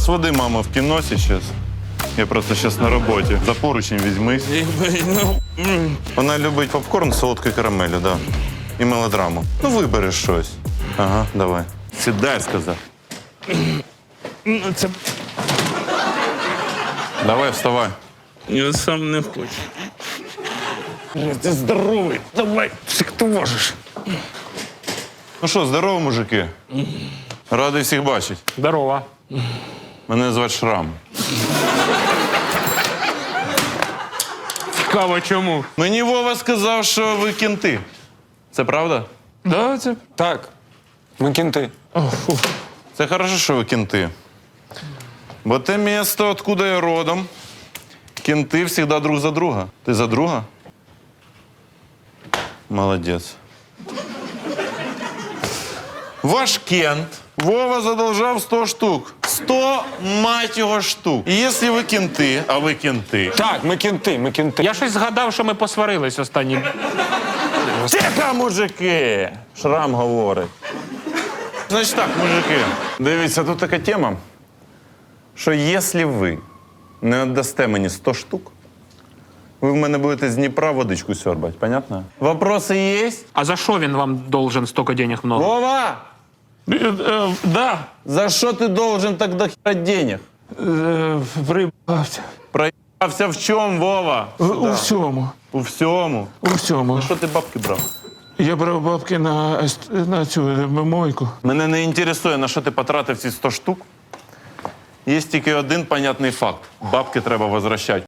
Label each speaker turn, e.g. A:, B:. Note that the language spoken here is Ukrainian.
A: своди маму в кино сейчас. Я просто сейчас на роботі. За поручень візьмись. Вона любить попкорн з солодкою карамелю, да. І мелодраму. Ну, вибери щось. Ага, давай. Сідай, сказав.
B: Це
A: Давай, вставай.
B: я сам не хочу. Ти здоровий, давай, як ти можеш.
A: Ну що, здорово, мужики. Радий всіх бачити.
B: Здорово.
A: Мене звати Шрам.
B: Цікаво, чому?
A: Мені Вова сказав, що ви кінти. Це правда?
B: Да, це...
C: Так, ми кінти.
A: Це хорошо, що ви кінти. Бо те місто, откуда я родом, кінти завжди друг за друга. Ти за друга? Молодець. Ваш кент Вова задолжав 100 штук. 100, мать його, штук. І якщо ви кінти, а ви кінти.
C: Так, ми кінти, ми кінти.
B: Я щось згадав, що ми посварились останні.
A: Тихо, мужики! Шрам говорить. Значить так, мужики. Дивіться, тут така тема, що якщо ви не віддасте мені 100 штук, ви в мене будете з Дніпра водичку сьорбати, понятно? Вопроси є?
B: А за що він вам должен стільки денег много?
A: Вова!
B: Да.
A: За що ти должен так до хера денег?
B: Приїбався.
A: Проїбався в чому, Вова?
B: У всьому.
A: У всьому.
B: У всьому.
A: Що ти бабки брав?
B: Я брав бабки на цю мойку.
A: Мене не інтересує, на що ти потратив ці 100 штук. Є тільки один понятний факт. Бабки треба возвращати.